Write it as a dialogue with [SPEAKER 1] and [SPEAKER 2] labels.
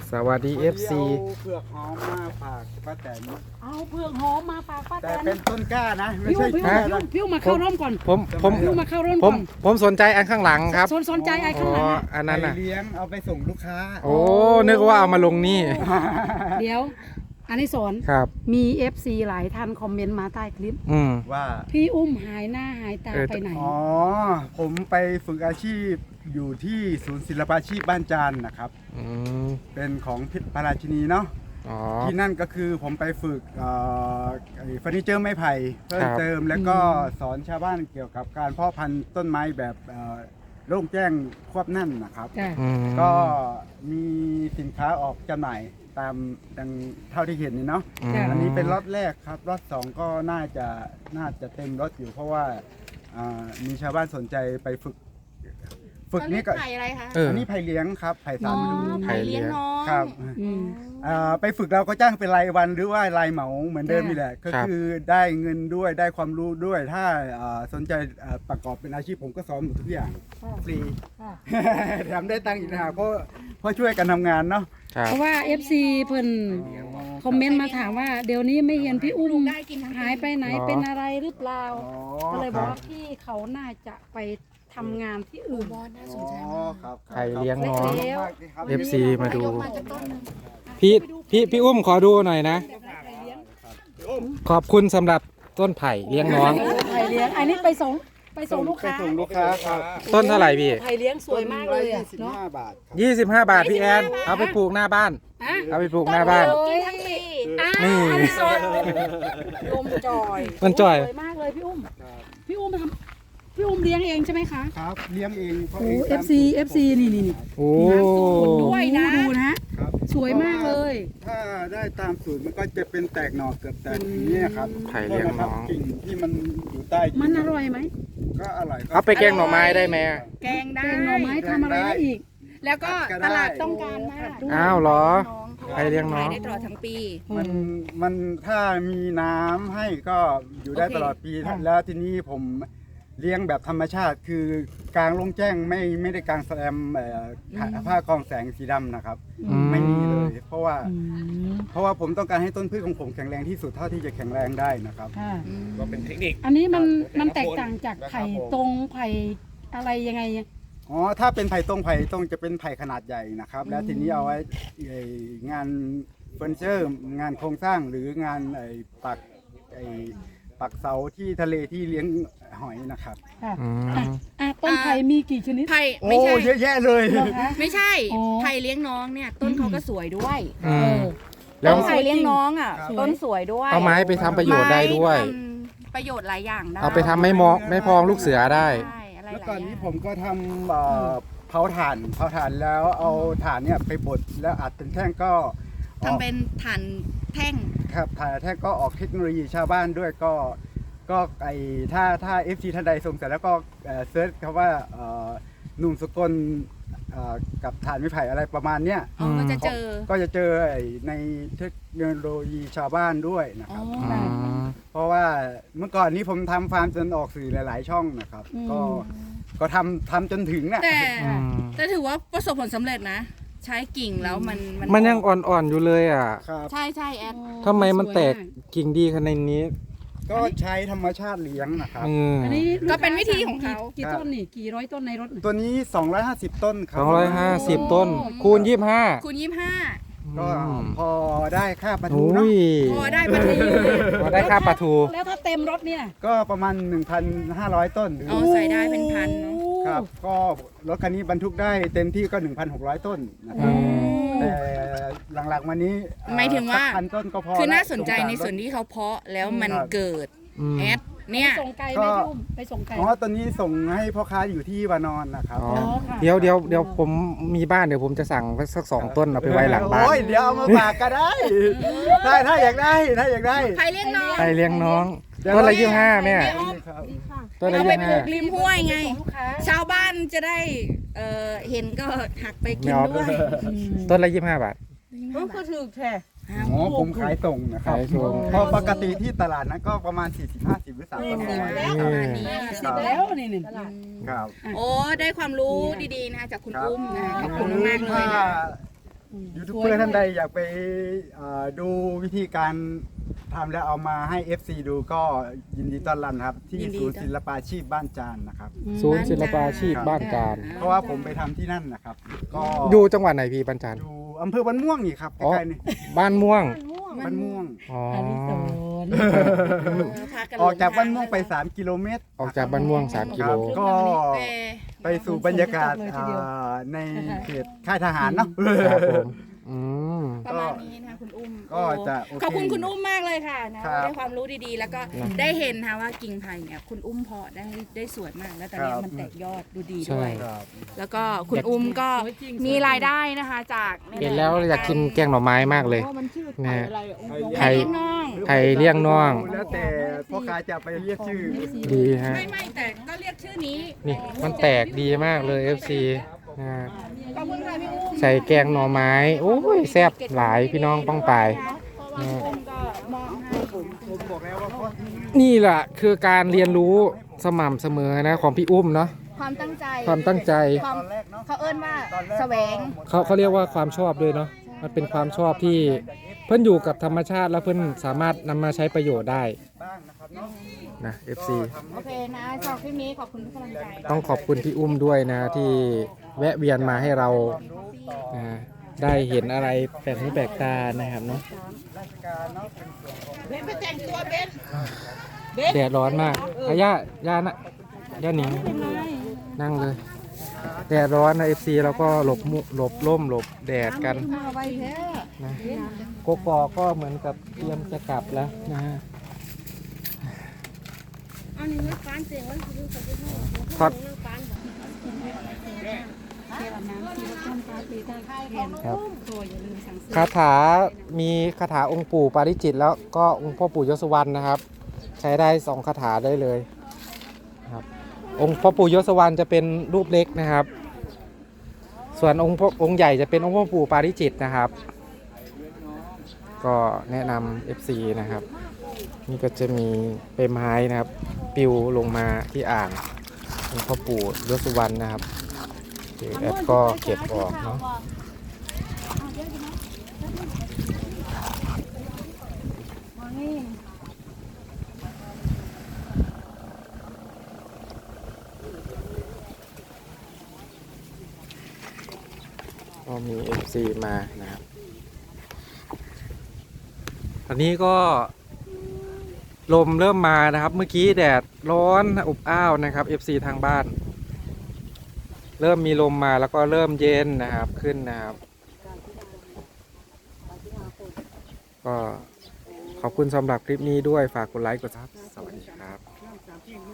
[SPEAKER 1] สวัสดี FC
[SPEAKER 2] เผือกหอมมาฝากป้าแตน
[SPEAKER 3] เอาเผือกหอมมาฝากป้าแต
[SPEAKER 2] แต่
[SPEAKER 3] น
[SPEAKER 2] เป็นต้นกล้านะไม่
[SPEAKER 3] พี่
[SPEAKER 2] ใช่
[SPEAKER 3] พี่
[SPEAKER 2] แค่นะ
[SPEAKER 3] พี่มาเข้าร่มก่อน
[SPEAKER 1] ผม
[SPEAKER 3] พี่มาเข้าร่ม
[SPEAKER 1] ผ
[SPEAKER 3] ก่
[SPEAKER 1] ม
[SPEAKER 3] อน
[SPEAKER 1] ผมสนใจอันข้างหลังครับ
[SPEAKER 3] สนใจไอ้ข้างหลังอะ
[SPEAKER 1] อันนั้นน่ะ
[SPEAKER 2] ไปเลี้ยงเอาไปส่งลูกค้า
[SPEAKER 1] โอ้นึกว่าเอามาลงนี่
[SPEAKER 3] เดี๋ยว อันนี้สอน
[SPEAKER 1] ครับ
[SPEAKER 3] มี FC หลายท่านคอมเมนต์มาใต้คลิป
[SPEAKER 2] ว่า
[SPEAKER 3] พี่อุ้มหายหน้าหายตาไปไหน
[SPEAKER 2] อ๋อผมไปฝึกอาชีพอยู่ที่ศูนย์ศิลปาชีพบ้านจานนะครับ
[SPEAKER 1] อืม
[SPEAKER 2] เป็นของพิพระราชินีเนาะ
[SPEAKER 1] อ๋อ
[SPEAKER 2] ที่นั่นก็คือผมไปฝึกไอ้เฟอร์นิเจอร์ไม้ไผ่เพิ่
[SPEAKER 1] ค
[SPEAKER 2] ม
[SPEAKER 1] รับ
[SPEAKER 2] เติมแล้วก็สอนชาวบ้านเกี่ยวกับการเพาะพันธุ์ต้นไม้แบบโล่งแจ้งควบแน่นนะครับ
[SPEAKER 3] จ้ะ
[SPEAKER 1] อืม
[SPEAKER 2] ก็มีสินค้าออกจำหน่ายตามดังเท่าที่เห็นนี่เนาะ อันนี้เป็นล็อตแรกครับล็อตสองก็น่าจะเต็มรถอยู่เพราะว่ามีชาวบ้านสนใจไปฝึกนี่ก็
[SPEAKER 4] ไผ่อะไรคะ
[SPEAKER 1] เออ
[SPEAKER 2] อันนี้ไผ่เลี้ยงครับไผ่สามฤดู
[SPEAKER 1] ไผ่เลี้ยง
[SPEAKER 4] น้อง
[SPEAKER 2] ครับ
[SPEAKER 3] อืม
[SPEAKER 2] ไปฝึกเราก็จ้างเป็นรายวันหรือว่ารายเหมาเหมือนเดิม
[SPEAKER 3] ค่ะ
[SPEAKER 2] นี่แหละก็
[SPEAKER 1] ครับ
[SPEAKER 2] คือได้เงินด้วยได้ความรู้ด้วยถ้าสนใจประกอบเป็นอาชีพผมก็สอนหมดทุกอย่างฟรี
[SPEAKER 3] ค่ะ
[SPEAKER 2] แถมได้ตังค์อีกนะเพราะช่วยกันทำงานเนาะ
[SPEAKER 1] ครับ
[SPEAKER 3] เพราะว่า FC เพิ่นคอมเมนต์มาถามว่าเดี๋ยวนี้ไม่เห็นพี่อุ้ม
[SPEAKER 4] ได้กินทั้ง
[SPEAKER 3] หายไปไหน
[SPEAKER 1] อ๋อ
[SPEAKER 3] เป็นอะไรหรือเปล่า
[SPEAKER 2] อ๋อ
[SPEAKER 3] ก็เลยบอกว่า
[SPEAKER 2] ครับ
[SPEAKER 3] พี่เขาน่าจะไปทำงานที่อื่น
[SPEAKER 4] บอลน่าส
[SPEAKER 2] อ๋
[SPEAKER 4] น
[SPEAKER 2] อ
[SPEAKER 4] ใจมาก
[SPEAKER 2] ครับ
[SPEAKER 1] ไผ่เลี้ยงน้อง
[SPEAKER 3] แล้ว
[SPEAKER 1] FC มาดู
[SPEAKER 4] ยกมาจากต้นหนึ่ง
[SPEAKER 1] พี่อุ้มขอดูหน่อยนะ ขอบคุณสำหรับต้นไผ่เลี้ยงน้อง
[SPEAKER 3] ไผ่เลี้ยงอันนี้ไปส่งลูกค้า
[SPEAKER 2] ไปส่งลูกค้าครับ
[SPEAKER 1] ต้นเท่าไหร่พี่
[SPEAKER 3] ไผ่เลี้ยงสวยมากเลยอะ
[SPEAKER 2] 25
[SPEAKER 3] เนาะ
[SPEAKER 2] บาทครับ
[SPEAKER 1] 25 บาทพี่แอนเอาไปปลูกหน้าบ้าน
[SPEAKER 3] อ่ะ
[SPEAKER 1] เอาไปปลูกหน้าบ้าน
[SPEAKER 4] กินทั้งปี
[SPEAKER 1] นี่
[SPEAKER 3] อันนี้สดลมจอย
[SPEAKER 1] มันจ่อย
[SPEAKER 3] สวยมากเลยพี่อุ้มพี่อุ้มเลี้ยงเองใช่ไหมคะ
[SPEAKER 2] ครับเลี้ยงเองเพราะ
[SPEAKER 3] โอ้
[SPEAKER 2] เอง
[SPEAKER 3] FC นี่
[SPEAKER 1] โอ้
[SPEAKER 3] ด้วยนะดูนะ
[SPEAKER 2] ครับ
[SPEAKER 3] สวยมากเลย
[SPEAKER 2] ถ้าได้ตามสูตรมันก็จะเป็นแตกหน่อเกือบแตกอย่างนี้ยครับ
[SPEAKER 1] ไผ่เลี้ยงน้อง
[SPEAKER 2] กิ่งที่มันอยู่ใต้
[SPEAKER 3] มันอร่อยไหม
[SPEAKER 2] ก็อร่อย
[SPEAKER 1] เอาไปแกงหน่อไม้ได้ไหม
[SPEAKER 4] แกงได้
[SPEAKER 3] แกงหน่อไม้ทำอะไรได้อีก
[SPEAKER 4] แล้วก็ตลาดต้องการมาก
[SPEAKER 1] อ้าวเหรอ
[SPEAKER 4] น้อง
[SPEAKER 1] ไผ่เลี้ยงน้อง
[SPEAKER 4] ขายได้ตลอดทั้งปี
[SPEAKER 2] มันถ้ามีน้ำให้ก็อยู่ได้
[SPEAKER 4] โอเค
[SPEAKER 2] ตลอดปี
[SPEAKER 3] ค่ะ
[SPEAKER 2] แล้วทีนี้ผมเลี้ยงแบบธรรมชาติคือกลางลงแจ้งไม่ได้กลางแสลมผ้ากรองแสงสีดำนะครับ
[SPEAKER 1] อืม
[SPEAKER 2] ไม่มีเลยเพราะว่า
[SPEAKER 3] อืม
[SPEAKER 2] ผมต้องการให้ต้นพืชของผมแข็งแรงที่สุดเท่าที่จะแข็งแรงได้นะครับ
[SPEAKER 3] ค่ะ
[SPEAKER 5] ก็เป็นเทคนิค
[SPEAKER 3] อันนี้มัน
[SPEAKER 5] ครับ
[SPEAKER 3] แตกต่างจากไผ่
[SPEAKER 2] ครับผม
[SPEAKER 3] ตรงไผ่อะไรยังไง
[SPEAKER 2] อ๋อถ้าเป็นไผ่ตรงจะเป็นไผ่ขนาดใหญ่นะครับ แล้วทีนี้เอาไว้งานเฟอร์นิเจอร์งานโครงสร้างหรืองานปักเสาที่ทะเลที่เลี้ยงหอยนะครับ
[SPEAKER 3] ค่ะ
[SPEAKER 1] อืม
[SPEAKER 3] ต้นไผ่มีกี่ชนิด
[SPEAKER 4] ไผ่
[SPEAKER 2] โอ้
[SPEAKER 4] ไม่ใช่
[SPEAKER 2] เยอะแยะเลย
[SPEAKER 3] เหรอคะ
[SPEAKER 4] ไม่ใช่
[SPEAKER 3] อ๋อ
[SPEAKER 4] ไผ่เลี้ยงน้องเนี่ยต้นเขาก็สวยด้วย
[SPEAKER 1] อืม แล้
[SPEAKER 4] ต้
[SPEAKER 1] ว
[SPEAKER 4] นไผ่เลี้ยงน้องอ่ะ
[SPEAKER 2] ครับ
[SPEAKER 4] ต้นสวยด้วย
[SPEAKER 1] เอาไม้ไปทำประโยชน์ได้ด้วย
[SPEAKER 4] ไม้ทำประโยชน์หลายอย่างได้
[SPEAKER 1] เอาไปทำไม่พองลูกเสือได้
[SPEAKER 4] ใช่อะไร
[SPEAKER 2] แล้ว
[SPEAKER 4] หลาย
[SPEAKER 2] ก่อน
[SPEAKER 4] อย่า
[SPEAKER 2] นี้
[SPEAKER 4] ง
[SPEAKER 2] ผมก็ทำเผาถ่านแล้วเอาถ่านเนี่ยไปบดแล้วอัดเป็นแท่งก็ออก
[SPEAKER 4] ทำเป็นฐานแท่ง
[SPEAKER 2] ครับถ่านแท่งก็ออกเทคโนโลยีชาวบ้านด้วยก็ถ้า FC ท่านใดสงสัยแล้วก็เซิร์ชคำว่าหนุ่มสกลกับถ่านไม้ไผ่อะไรประมาณเนี้ย
[SPEAKER 4] อ๋อก็จะเจอ
[SPEAKER 2] ก็จะเจอในเทคโนโลยีชาวบ้านด้วยนะ
[SPEAKER 4] อ๋
[SPEAKER 2] ค
[SPEAKER 4] อ
[SPEAKER 2] รับ เพราะว่าเมื่อก่อนนี้ผมทำฟาร์มจนออกสื่อหลาย ๆ ช่องนะครับ ก็ทำจนถึงน่ะ
[SPEAKER 4] แต่
[SPEAKER 1] อืม
[SPEAKER 4] แต่ถือว่าประสบผลสำเร็จนะ ใช้กิ่งแล้วมัน
[SPEAKER 1] มันยังอ่อนๆอยู่เลยอ่ะ
[SPEAKER 2] ครับ
[SPEAKER 4] ใช่ใช่แอด
[SPEAKER 1] ทำไมมันแตกกิ่งดีขนาดนี้
[SPEAKER 2] ก็ใช้ธรรมชาติเลี้ยงนะครับ
[SPEAKER 1] อืม
[SPEAKER 3] อันนี้
[SPEAKER 4] ก็เป็นวิธีของเขา
[SPEAKER 3] กี่ต้นนี่กี่ร้อยต้นในรถน่ะ
[SPEAKER 2] ตัวนี้ 250 ต้นครั
[SPEAKER 1] 250 ต้น คูณ 25
[SPEAKER 4] คูณ25
[SPEAKER 2] ก็พอได้ค่าปลาทู
[SPEAKER 1] โอ้
[SPEAKER 2] เนาะ
[SPEAKER 1] ย
[SPEAKER 4] พอได้ปลาทู
[SPEAKER 1] พอได้ค่าปลาทู
[SPEAKER 3] แล้วถ้าเต็มรถเนี่ย
[SPEAKER 2] ก็ประมาณ 1,500 ต้น
[SPEAKER 4] เอาใส่ได้เป็นพันเนอะ
[SPEAKER 2] ครับ ก็รถคันนี้บรรทุกได้เต็มที่ก็ 1,600 ต้นนะครับ แต่หลังๆมานี้
[SPEAKER 4] หมายถึงว่า
[SPEAKER 2] สัก1,000 ต้นก็พอ
[SPEAKER 4] คือน่าสนใจ
[SPEAKER 2] ละ
[SPEAKER 4] ในส่วนที่เขาเพาะแล้วมัน
[SPEAKER 2] ครับ
[SPEAKER 4] เกิด
[SPEAKER 1] อืม
[SPEAKER 4] แอดเนี่ย
[SPEAKER 3] ส่งไกลไหมพี่อุ้มไปส่งไกล
[SPEAKER 2] อ๋อตอนนี้ส่งให้พ่อค้าอยู่ที่วานอนนะครับ
[SPEAKER 1] อ๋อ
[SPEAKER 3] ค่ะ
[SPEAKER 1] เดี๋ยวผมมีบ้านเดี๋ยวผมจะสั่งสัก2 ต้นเอาไปไว้หลังบ้าน
[SPEAKER 2] โอ้ยเดี๋ยวเอามาฝากก็ได้ถ้าอยากได้ถ้าอยากได้
[SPEAKER 4] ใครเลี้ยงน้อง
[SPEAKER 1] ไปเลี้ยงน้อง
[SPEAKER 2] เดี๋ยว
[SPEAKER 1] ต้นละ
[SPEAKER 2] เรา
[SPEAKER 1] 25แม่
[SPEAKER 2] ครับ
[SPEAKER 1] ต้นละ
[SPEAKER 4] เอาไปปลูก
[SPEAKER 1] 25
[SPEAKER 4] ริมห้วยไง
[SPEAKER 3] ส่งลูกค้า
[SPEAKER 4] ชาวบ้านจะได้เห็นก็หักไปกินด้วย
[SPEAKER 1] ต้นละ25 บาท
[SPEAKER 3] ก็ถือแท้
[SPEAKER 2] อ๋อผมขายส่งนะครับ
[SPEAKER 1] ขายส่ง
[SPEAKER 2] เพราะปกติที่ตลาดนั้นก็ประมาณ 40-50 หรือ 300
[SPEAKER 4] ประมาณนี้
[SPEAKER 3] สิบแล้วนี่ตลาด
[SPEAKER 2] ครับ
[SPEAKER 4] โอ้ได้ความรู้ดีๆนะคะจากคุณอุ้มนะขอบคุณมากๆเลย
[SPEAKER 2] ถ้า
[SPEAKER 4] นะ
[SPEAKER 2] ยูทูบเบอร์ท่านใดอยากไปดูวิธีการทำแล้วเอามาให้ FC ดูก็ยินดีต้อนรับครับ ที่ศูนย์ศิลปาชีพบ้านจานนะครับ
[SPEAKER 1] ศูนย์ศิลปาชีพบ้านการ
[SPEAKER 2] เพราะว่าผมไปทำที่นั่นนะครับ ก็
[SPEAKER 1] อยู่จังหวัดไหนพี่บ้านจาน
[SPEAKER 2] อยู่อำเภอบ้านม่วงนี่ครับใก
[SPEAKER 1] อ๋อ
[SPEAKER 2] ล้ๆนี่
[SPEAKER 1] บ้านม่วง
[SPEAKER 2] บ้านม่วง
[SPEAKER 1] อ๋อ
[SPEAKER 3] อันนี้สอน
[SPEAKER 4] พกัน
[SPEAKER 2] ออกจากบ้านม่วงไป3 กิโลเมตร
[SPEAKER 1] ออกจากบ้านม่วง3 กิโล
[SPEAKER 2] ก็ ไปสู่บรรยากาศในเขตค่ายทหารเนาะ
[SPEAKER 1] ครับผมอืม
[SPEAKER 4] ประมาณนี้นะคะคุณอุ้ม
[SPEAKER 2] ก็จะโอเค
[SPEAKER 4] ขอบคุณคุณอุ้มมากเลยค่ะนะครับ ได้ความรู้ดีๆ แล้วก็ได้เห็นนะคะว่ากิ่งไผ่เนี่ยคุณอุ้มเพาะได้สวยมากแล้วตอนนี้
[SPEAKER 2] ครับ
[SPEAKER 4] มันแตกยอดดูดี
[SPEAKER 1] ใช่
[SPEAKER 4] ด้วย
[SPEAKER 2] ครับ
[SPEAKER 4] แล้วก็คุณอุ้มก็มีรายได้นะคะจาก
[SPEAKER 1] เห็นแล้วอยากกินแกงหน่อไม้มากเลยนะฮะ
[SPEAKER 4] ไผ่เลี้ยงน้อง
[SPEAKER 1] ไผ่เลี้ยงน้อง
[SPEAKER 2] แล้วแต่พ่อค้าจะไปเรียกชื่อ
[SPEAKER 1] ดีฮะ
[SPEAKER 4] ไม่แต่ก็เรียกชื่อนี้
[SPEAKER 1] นี่มันแตกดีมากเลย FC นะฮะ
[SPEAKER 4] ขอบคุณค่ะพี่อุ้ม
[SPEAKER 1] ใส่แกงหน่อไม้โอ้ยแซ่บหลายพี่น้องป้องปาย
[SPEAKER 4] พี่อุ้มก็มอบให้ผม
[SPEAKER 2] ผมบอกแล้วว่าพ่อ
[SPEAKER 1] นี่แหละคือการเรียนรู้สม่ำเสมอนะของพี่อุ้มเนาะ
[SPEAKER 4] ความตั้งใจ
[SPEAKER 1] ความตั้งใจ
[SPEAKER 4] ความ
[SPEAKER 2] ตอนแรกเนาะ
[SPEAKER 4] เขาเอิ้นว่าแสวง
[SPEAKER 1] เขาเรียกว่าความชอบด้วยเนาะมันเป็นความชอบที่เพื่อนอยู่กับธรรมชาติแล้วเพื่อนสามารถนำมาใช้ประโยชน์ได้
[SPEAKER 2] บ้างนะครับเนาะ
[SPEAKER 1] นะ FC
[SPEAKER 4] โอเคนะชอบคลิปนี้ขอบคุณทุกกำลังใจ
[SPEAKER 1] ต้องขอบคุณพี่อุ้มด้วยนะที่แวะเวียนมาให้เรานะได้เห็นอะไรแปลกหูแปลกตานะครับเนาะ
[SPEAKER 2] ราชการเนาะเป็นส่วนของ
[SPEAKER 4] เบนไปแต่งตัวเบน
[SPEAKER 1] แดดร้อนมากอาย่านะย่าหนิงนั่งเลยแดดร้อนนะ FC แล้วก็หลบร่มหลบแดดกัน
[SPEAKER 3] มาไว้แท้
[SPEAKER 1] นะโกกอกก็เหมือนกับเตรียมจะกลับแล้วนะฮะ
[SPEAKER 5] เอาหนึ่งไว้ฟ้านเสียงไว้คือเขาจะให้
[SPEAKER 1] ถอด
[SPEAKER 5] เรื่องฟ้าน
[SPEAKER 3] เทวน้ำที่ต้นฟ้าตีได้แทน
[SPEAKER 1] ครับ
[SPEAKER 3] ตัวอย่าลืมสั่งซื้อ
[SPEAKER 1] คาถามีคาถาองค์ปู่ปาริจิตแล้วก็องค์พ่อปู่ยศวรรณนะครับ ใช้ได้2คาถาได้เลยครับองค์พ่อปู่ยศวรรณจะเป็นรูปเล็กนะครับ ส่วนองค์ใหญ่จะเป็นองค์พ่อปู่ปาริจิตนะครับ ก็แนะนำ FC นะครับ นี่ก็จะมีใบไม้นะครับปิวลงมาที่อ่างองค์พ่อปู่ยศวรรณนะครับเดี๋ยวแอดก็เก็บออกเนาะ ก็มี FC มานะครับตอนนี้ก็ลมเริ่มมานะครับ เมื่อกี้แดดร้อนอบอ้าวนะครับ FC ทางบ้าน เริ่มมีลมมาแล้วก็เริ่มเย็นนะครับขึ้นนะครับ ก็ขอบคุณสำหรับคลิปนี้ด้วยฝากกดไลค์กดซับสวัสดีครับ